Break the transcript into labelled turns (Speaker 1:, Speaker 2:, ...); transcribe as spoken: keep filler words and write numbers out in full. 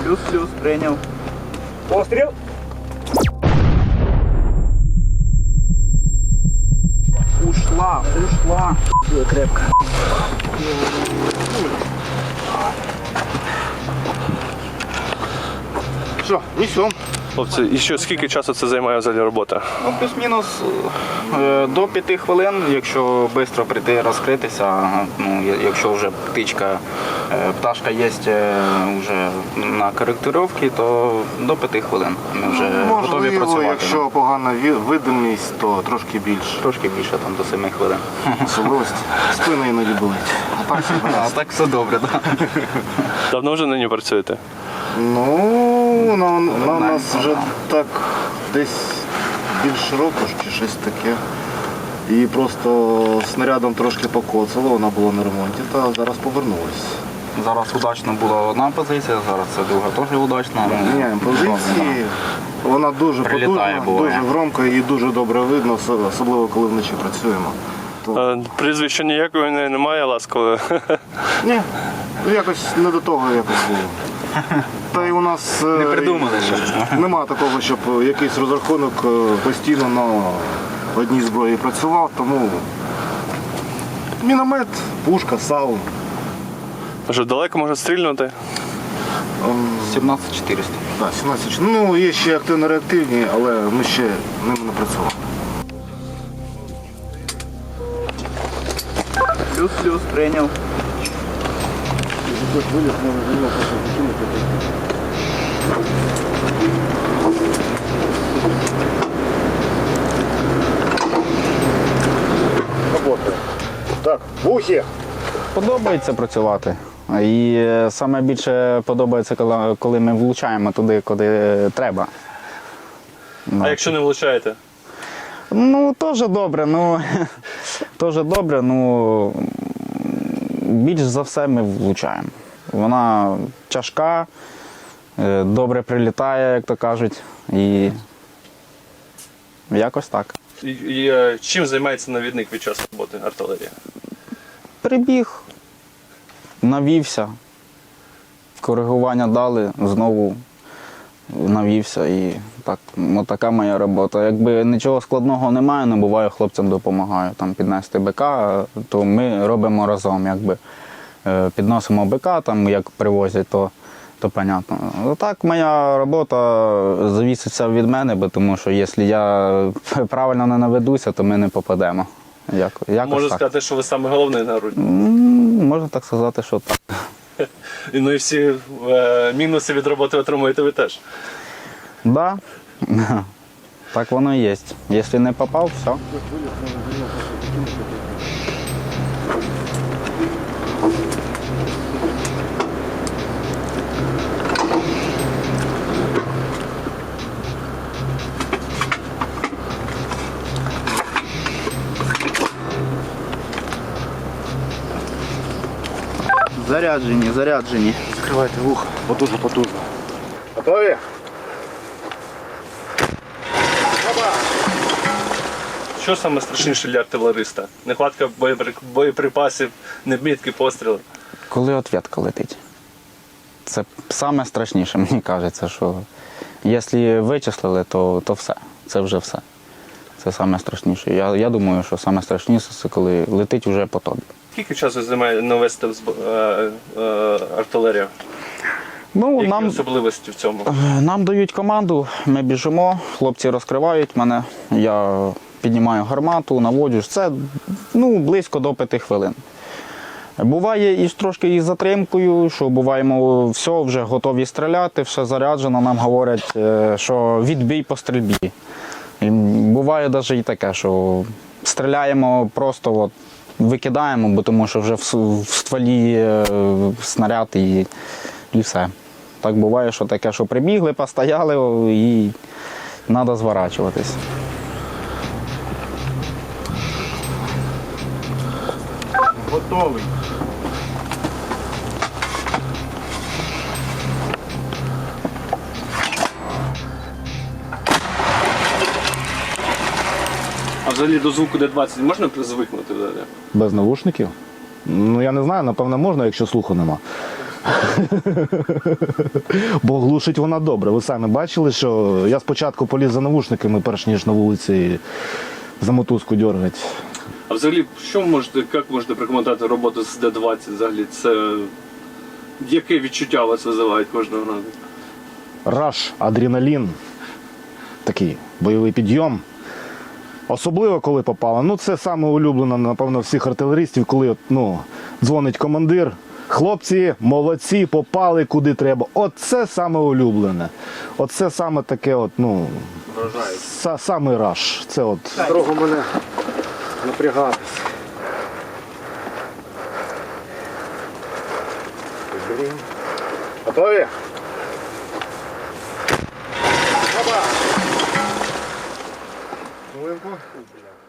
Speaker 1: Плюс-плюс, прийняв.
Speaker 2: Постріл.
Speaker 1: Ушла, ушла. Крепко.
Speaker 2: Все, несем.
Speaker 3: Хлопці, і що, скільки часу це займає взагалі робота?
Speaker 1: Ну, плюс-мінус е, до п'яти хвилин, якщо швидко прийти розкритися, ну, я- якщо вже птичка, е, пташка є е, вже на коректировці, то до п'яти хвилин ми вже готові
Speaker 2: Можливо,
Speaker 1: працювати.
Speaker 2: якщо погана ві- видимість, то трошки більше.
Speaker 1: Трошки більше, там до семи хвилин.
Speaker 2: Особливості. Спина іноді болить. А так все
Speaker 1: А
Speaker 2: гаразд.
Speaker 1: так все добре, так.
Speaker 3: Давно вже на ній працюєте?
Speaker 2: Ну, на, на нас вже так десь більше року чи щось таке. І просто снарядом трошки покоцало, вона була на ремонті, та зараз повернулась.
Speaker 1: Зараз удачно була одна позиція, зараз це друга теж удачна.
Speaker 2: Міняємо позиції, вона дуже
Speaker 1: Прилітає,
Speaker 2: потужна,
Speaker 1: буває.
Speaker 2: дуже громко і дуже добре видно, осо- особливо коли вночі працюємо. То...
Speaker 3: А, прізвища ніякого не- немає, ласково.
Speaker 2: Ні, ну, якось не до того якось було. Та й у нас е,
Speaker 1: Не придумали ще.
Speaker 2: нема такого, щоб якийсь розрахунок е, постійно на одній зброї працював, тому міномет, пушка, саун.
Speaker 3: Що, далеко можна стрільнути?
Speaker 1: сімнадцять чотириста.
Speaker 2: Так, сімнадцять. Ну, є ще активно-реактивні, але ми ще ними не працювали.
Speaker 1: Плюс-плюс, прийняв.
Speaker 2: Так, вухи!
Speaker 4: Подобається працювати. І е, саме більше подобається, коли, коли ми влучаємо туди, куди треба.
Speaker 3: А якщо не влучаєте?
Speaker 4: Ну, теж добре, ну теж добре, ну більш за все ми влучаємо. Вона тяжка, е, добре прилітає, як то кажуть, і якось так.
Speaker 3: І, і, е, чим займається навідник під час роботи артилерії?
Speaker 4: Прибіг, навівся, коригування дали, знову навівся і так, от така моя робота. Якби нічого складного немає, не буває, хлопцям допомагаю. Там піднести БК, то ми робимо разом. Якби е, підносимо БК, там як привозять, то, то понятно. Так моя робота завіситься від мене, бо тому що якщо я правильно не наведуся, то ми не попадемо. Як, якось
Speaker 3: Можу
Speaker 4: так.
Speaker 3: сказати, що ви саме головний на грудні.
Speaker 4: М, Можна так сказати, що так.
Speaker 3: І, ну і всі е, мінуси від роботи отримуєте ви теж.
Speaker 4: Да. Так воно і є. Якщо не попав, все.
Speaker 1: Заряджені, заряджені.
Speaker 2: Закривайте вуха, потужно, потужно. Готові?
Speaker 3: Що саме страшніше для артилериста? Нехватка боєпри- боєприпасів, невмітки постріли.
Speaker 4: Коли ответка летить. Це саме страшніше, мені кажеться, що якщо вичислили, то, то все. Це вже все. Це саме страшніше. Я, я думаю, що саме страшніше це коли летить вже по тобі.
Speaker 3: Скільки часу займає навести взб- е, е, артилерію?
Speaker 4: Ну,
Speaker 3: Які
Speaker 4: нам,
Speaker 3: особливості в цьому?
Speaker 4: нам дають команду, ми біжимо, хлопці розкривають мене, я піднімаю гармату, наводжу. Це ну, близько до п'яти хвилин. Буває і трошки із затримкою, що буваємо, все, вже готові стріляти, все заряджено, нам говорять, е, що відбій по стрільбі. І буває навіть і таке, що стріляємо просто, от, викидаємо, бо тому що вже в, с- в стволі е, снаряд і, і все. Так буває, що таке, що прибігли, постояли і треба зворачуватись.
Speaker 2: Готовий.
Speaker 3: А взагалі до звуку Д двадцять можна звикнути взагалі?
Speaker 2: Без навушників? Ну я не знаю, напевно можна, якщо слуху нема.
Speaker 5: Бо глушить вона добре. Ви самі бачили, що я спочатку поліз за навушниками, перш ніж на вулиці за мотузку дергати.
Speaker 3: А взагалі, що можете, як можете прокоментувати роботу з Д двадцять взагалі? Це яке відчуття у вас визивають кожного разу?
Speaker 5: Раш, адреналін, такий бойовий підйом. Особливо, коли попало. Ну, це саме улюблено, напевно, всіх артилерістів, коли от, ну, дзвонить командир. Хлопці, молодці, попали куди треба. Оце саме улюблене. Оце саме таке, от, ну, са, саме раш. Це от.
Speaker 2: Дорогу мене напрягатись. Готові? Опа! Хвилинку.